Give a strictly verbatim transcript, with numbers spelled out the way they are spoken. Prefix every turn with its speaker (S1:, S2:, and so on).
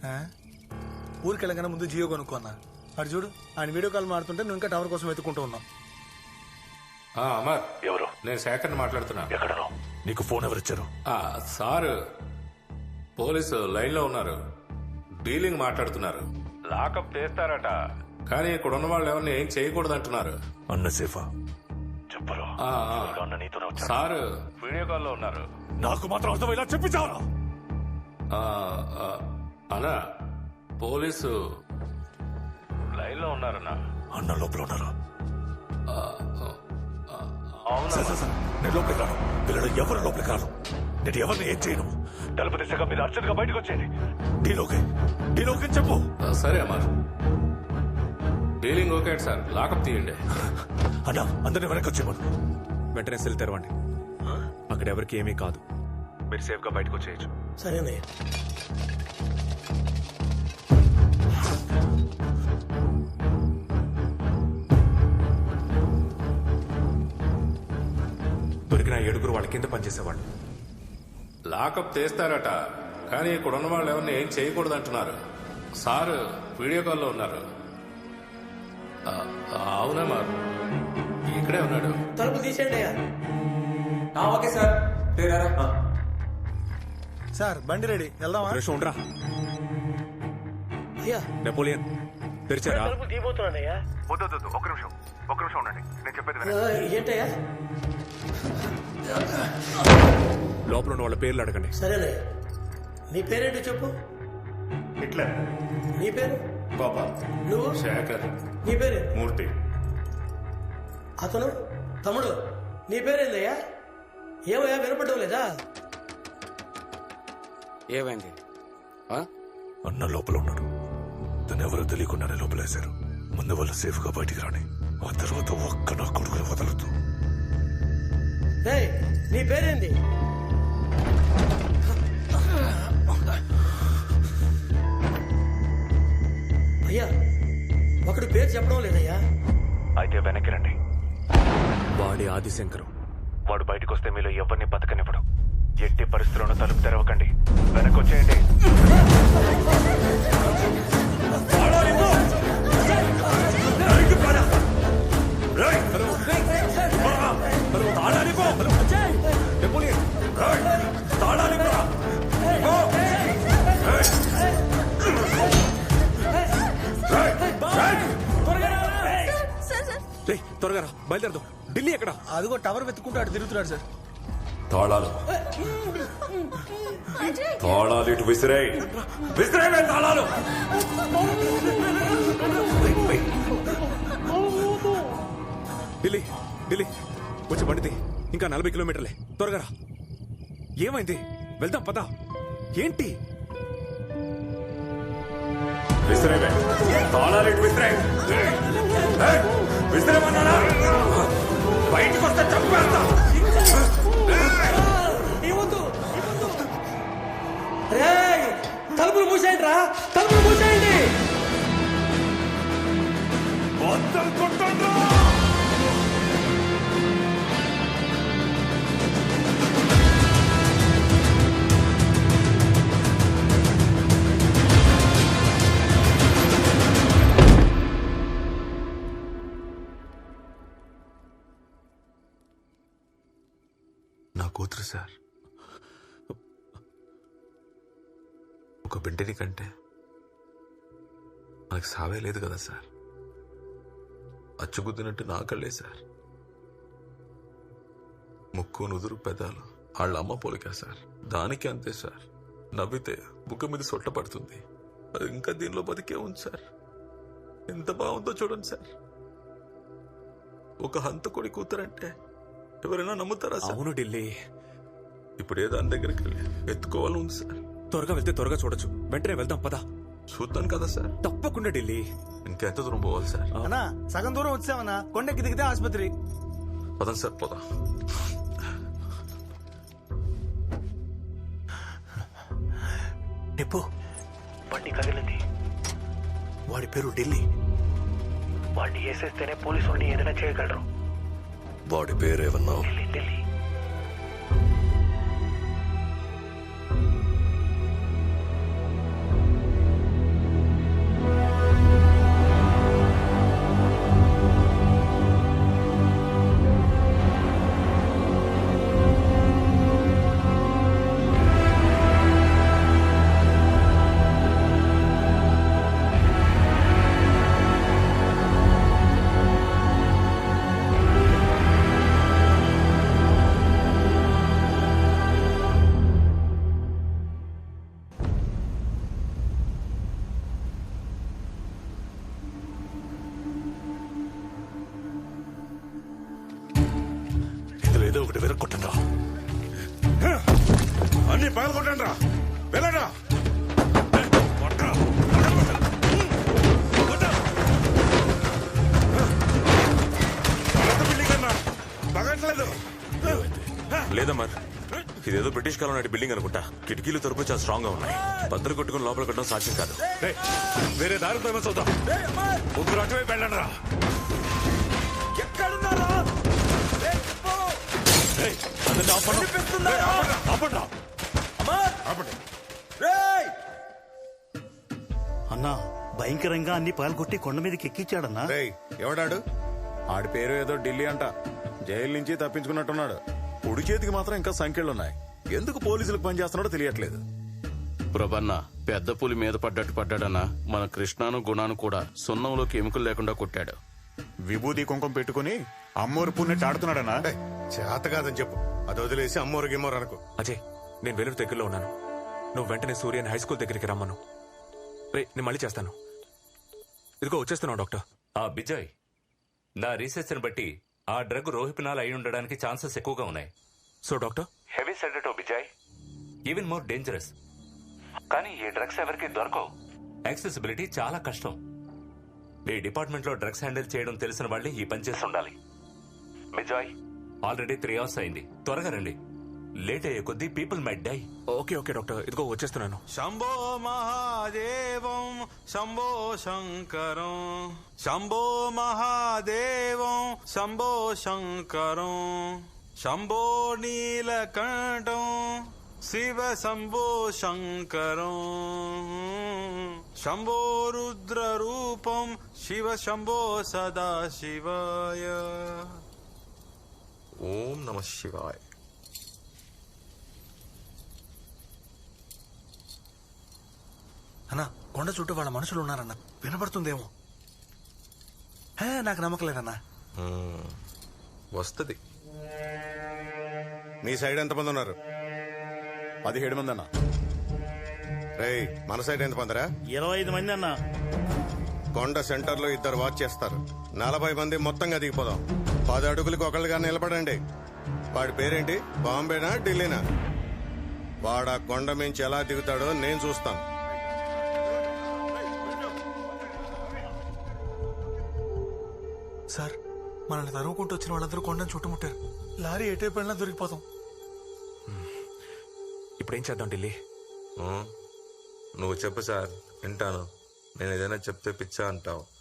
S1: ఊరికి వెళ్ళగానే ముందు జియో కొనుక్కున్నా. అటు చూడు ఆయన వీడియో కాల్ మాడుతుంటే నువ్వు ఇంకా టవర్ కోసం వెతుక్కుంటూ ఉన్నావు.
S2: అమర్ ఎవరు? నేను శేఖర్ని మాట్లాడుతున్నా.
S3: ఎక్కడో నీకు ఫోన్ ఎవరిచ్చారు?
S2: సార్ పోలీసు లైన్ లో ఉన్నారు, డీలింగ్ మాట్లాడుతున్నారు. లాకప్ చేస్తారట, కానీ ఇక్కడ ఉన్న వాళ్ళు ఎవరిని ఏం చేయకూడదు అంటున్నారు.
S3: అన్న సేఫా?
S2: చెప్పరు సార్, వీడియో కాల్ లో ఉన్నారు.
S3: నాకు మాత్రం అర్థం ఇలా చెప్పించావరా?
S2: అన్నా పోలీసు లైన్ లో ఉన్నారన్నా.
S3: అన్న లోపల ఉన్నారా?
S2: అవునా?
S3: నేను లోపలికి రాను, పిల్లలు ఎవరు లోపలికి రాను. నేను ఎవరిని ఏం చేయను. తలుపు దిశగా మీరు అర్జెంట్ గా బయటకు వచ్చేయండి. డీలోకి డీలోకి చెప్పు.
S2: సరే Amar, dealing okay sir, lockup తీయండి.
S3: అన్న అందరిని వెనక్కి వచ్చేయమను.
S4: వెంటనే సెల్ తెరవండి. అక్కడ ఎవరికి ఏమీ కాదు, మీరు సేఫ్ గా బయటకు వచ్చేయచ్చు.
S1: సరేనే.
S4: దొరికిన ఏడుగురు వాళ్ళ కింద పనిచేసేవాళ్ళు.
S2: లాకప్ తీస్తారట, కానీ ఇక్కడ ఉన్న వాళ్ళు ఎవరిని ఏం చేయకూడదు అంటున్నారు. సార్ వీడియో కాల్లో ఉన్నారు. అవునా మా ఇక్కడే ఉన్నాడు.
S1: తలుపు తీసేయండి.
S5: Okay sir.
S1: సార్ బండి రెడీ, వెళ్దామా?
S4: నిమిషం ఉండరా.
S1: అయ్యా
S4: నెపోలియన్ తెరిచారా?
S1: తీయబోతున్నానయ్యా.
S6: వద్దు ఒక నిమిషం ఒక నిమిషం ఉండండి, నేను చెప్పేది
S1: ఏంటయ్యా?
S4: లోపల ఉన్న వాళ్ళ పేర్లు అడగండి.
S1: సరేనే. నీ పేరేంటి చెప్పు.
S6: హిట్లర్.
S1: నీ పేరు?
S6: గోపాల్.
S1: నువ్వు?
S2: శేఖర్.
S1: నీ పేరు?
S6: మూర్తి.
S1: అతను? తమ్ముడు నీ పేరేందయ్యా? ఏమయ్యా వినపడడం లేదా?
S5: ఏమైంది?
S3: అన్న లోపల ఉన్నాడు. తను ఎవరో తెలియకుండానే లోపలేశారు. ముందు వాళ్ళు సేఫ్ గా బయటికి రాని, ఆ తర్వాత ఒక్క నా కొడుకుని వదలదు.
S1: నీ పేరేంది? అయ్యా ఒకడు పేరు చెప్పడం లేదయ్యా.
S6: అయితే వెనక్కి రండి.
S4: వాడి ఆదిశంకరం.
S6: వాడు బయటకు వస్తే మీలో ఎవరిని బతకనివ్వడు. ఎట్టి పరిస్థితుల్లోనూ తలుపు తెరవకండి, వెనక్కి వచ్చేయండి.
S4: త్వరగా రా, బయలుదేరదాం. ఢిల్లీ ఎక్కడ?
S1: అదిగో టవర్ వెతుక్కుంటూ అటు తిరుగుతున్నాడు సార్.
S3: తాళాలు తాళాలు ఇటు విసిరే విసిరే తాళాలు.
S4: ఢిల్లీ ఢిల్లీ వచ్చి బండిది. ఇంకా నలభై కిలోమీటర్లే, త్వరగా రా. ఏమైంది? వెళ్దాం పదా. ఏంటి?
S3: విసిరే తాళాలు ఇటు విసిరే విసిరేమన్నారా? బయటకు వస్తే చంపేస్తా.
S1: తలుపులు మూసేయండి రా, తలుపులు మూసేయండి.
S3: మొత్తం కొట్టండి.
S4: నా కూతురు సార్. ఒక బిడ్డని కంటే మనకు సావే లేదు కదా సార్. అచ్చుగుద్దినట్టు నా కళ్ళే సార్. ముక్కు నుదురు పెదాలు వాళ్ళ అమ్మ పోలికా సార్. దానికి అంతే సార్. నవ్వితే బుక్క మీద సొట్ట పడుతుంది. అది ఇంకా దీనిలో బతికే ఉంది సార్. ఎంత బాగుందో చూడండి సార్. ఒక హంతకుడి కూతురంటే ఎవరైనా నమ్ముతారా సార్? అవును ఢిల్లీ. ఇప్పుడు ఏ దాని దగ్గరికి వెళ్ళి ఎత్తుకోవాలని ఉంది సార్. త్వరగా వెళ్తే త్వరగా చూడొచ్చు. వెంటనే వెళ్దాం పదా. చూద్దాం కదా సార్. తప్పకుండా ఢిల్లీ. ఇంకెంత దూరం పోవాలి సార్?
S1: అన్నా సగం దూరం వచ్చామన్నా. కొండకి దిగితే ఆసుపత్రి.
S4: పదండి సార్ పోదా.
S3: నిప్పు బండి కదిలింది. వాడి పేరు ఢిల్లీ. వాడిని వేసేస్తేనే పోలీసు వాడిని ఏదైనా చేయగలరు. వాడి పేరేమన్నా? ఢిల్లీ ఢిల్లీ. ఒకటి విరక్కొట్టండి రా.
S4: అన్ని పగలు కొట్టండి రా. వెళ్ళరా.
S7: లేదమ్మా, ఇదేదో బ్రిటిష్ కాలం నాటి బిల్డింగ్ అనుకుంటా. కిటికీలు తలుపులు చాలా స్ట్రాంగ్ గా ఉన్నాయి. బద్దలు కొట్టుకుని లోపల కట్టడం సాధ్యం కాదు.
S3: వేరే దారితో ఏమో చూద్దాం. ముగ్గురు అటువైపు వెళ్ళండి రా.
S8: అన్నా భయంకరంగా అన్ని పాల్గొట్టి కొండ మీదకి ఎక్కించాడన్నా.
S9: ఎవడాడు? ఆడి పేరు ఏదో ఢిల్లీ అంట. జైలు నుంచి తప్పించుకున్నట్టున్నాడు. పొడి చేతికి మాత్రం ఇంకా సంఖ్యలున్నాయి. ఎందుకు పోలీసులకు పనిచేస్తున్నాడో తెలియట్లేదు.
S10: ప్రభన్న పెద్ద పులి మీద పడ్డట్టు పడ్డాడన్నా. మన కృష్ణాను గుణాను కూడా సున్నంలోకి ఎముకలు లేకుండా కొట్టాడు.
S9: విభూతి కుంకుమ పెట్టుకుని అమ్మోరు పుణ్యట్టు ఆడుతున్నాడనా? చేత కాదని చెప్పు. అది వదిలేసి అమ్మోరు గిమ్మోరు అనుకో.
S7: అజయ్, నేను వెలుగు దగ్గరలో ఉన్నాను. నువ్వు వెంటనే సూర్యని హై స్కూల్ దగ్గరికి రమ్మను. రే, నేను మళ్ళీ చేస్తాను. ఇదిగో వచ్చేస్తున్నావు డాక్టర్.
S2: ఆ బిజయ్, నా రీసెర్చ్ ని బట్టి ఆ డ్రగ్ రోహిపినాల్ అయి ఉండడానికి ఛాన్సెస్ ఎక్కువగా ఉన్నాయి.
S7: సో డాక్టర్,
S6: హెవీ సెడేటో బిజయ్,
S2: ఈవెన్ మోర్ డేంజరస్.
S6: కానీ ఈ డ్రగ్స్ ఎవరికి దొరకవు.
S2: యాక్సెసిబిలిటీ చాలా కష్టం. ఈ డిపార్ట్మెంట్ లో డ్రగ్స్ హ్యాండిల్ చేయడం తెలిసిన వాళ్ళే ఈ పని చేసి ఉండాలి.
S6: బిజయ్,
S2: ఆల్రెడీ త్రీ అవర్స్ అయింది. త్వరగా రండి. లేట్ అయ్యే కొద్దీ people might die.
S7: Okay okay doctor, ఇదిగో వచ్చేస్తున్నాను.
S4: శంభో మహాదేవం శంభో శంకరం, శంభో మహాదేవం శంభో శంకరం, శంభో నీలకంఠం శివ శంభో శంకరం, శంభో రుద్ర రూపం శివ శంభో సదా శివాయ.
S7: ఓం నమ శివాయ.
S1: అన్నా కొండ చుట్టూ వాళ్ళ మనుషులు ఉన్నారన్న. వినపడుతుందేమో. హే, నాకు నమ్మకం లేదన్నా.
S9: వస్తుంది. మీ సైడ్ ఎంతమంది ఉన్నారు? పదిహేడు మంది అన్నా. రేయ్, మన సైడ్ ఎంత మందిరా?
S8: ఇరవై ఐదు మంది అన్నా.
S9: కొండ సెంటర్ లో ఇద్దరు వాచ్ చేస్తారు. నలభై మంది మొత్తంగా దిగిపోదాం. పది అడుగులకు ఒకళ్ళుగా నిలబడండి. వాడి పేరేంటి? బాంబేనా ఢిల్లీనా? వాడా కొండ మించి ఎలా దిగుతాడో నేను చూస్తాను.
S1: సార్, మనల్ని తరుముకుంటూ వచ్చిన వాళ్ళందరూ కొండను చుట్టుముట్టారు. లారీ ఎటైపు వెళ్ళినా దొరికిపోతాం.
S7: ఇప్పుడేం చేద్దాం ఢిల్లీ?
S4: నువ్వు చెప్పు సార్, వింటాను. నేను ఏదైనా చెప్తే పిచ్చా అంటావు.